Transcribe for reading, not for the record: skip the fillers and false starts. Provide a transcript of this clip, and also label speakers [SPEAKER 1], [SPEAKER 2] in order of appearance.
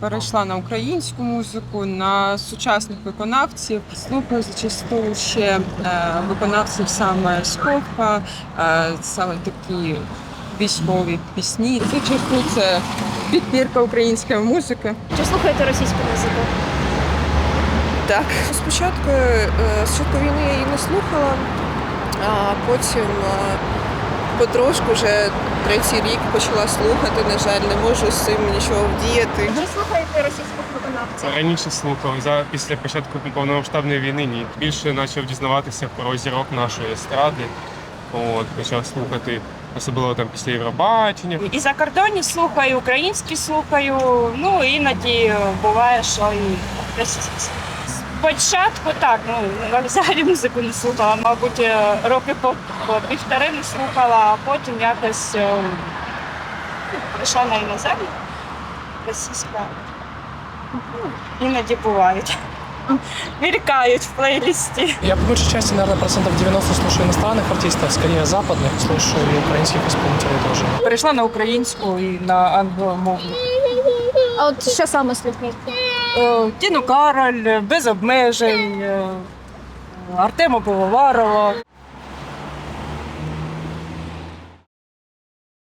[SPEAKER 1] перейшла на українську музику, на сучасних виконавців. Слухаю зачасту ще виконавців саме з попа, саме такі військові пісні. Зачасту це підбірка української музики.
[SPEAKER 2] Чи слухаєте російську музику?
[SPEAKER 3] Так. Спочатку війни я її не слухала, а потім потрошку вже третій рік почала слухати. На жаль, не можу з цим нічого вдіяти.
[SPEAKER 2] Ви слухаєте російських виконавців?
[SPEAKER 4] Раніше слухав, після початку повномасштабної війни ні. Більше почав дізнаватися про зірок нашої естради. Почав слухати, особливо там після Євробачення.
[SPEAKER 5] І закордонні слухаю, українські слухаю, іноді буває, що і російські. Спочатку так, взагалі музику не слухала, мабуть, роки по півтори не слухала, а потім якось прийшла на іноземну, російська. Іноді бувають. Мелькают в плейлисте.
[SPEAKER 6] Я по большей части, наверное, процентов 90 слушаю иностранных артистов, скорее западных, слушаю и украинских исполнителей тоже.
[SPEAKER 5] Перейшла на українську і на англомовну.
[SPEAKER 2] А от що саме слухаєте?
[SPEAKER 5] Тіну Кароль, без обмежень, Артема Пивоварова.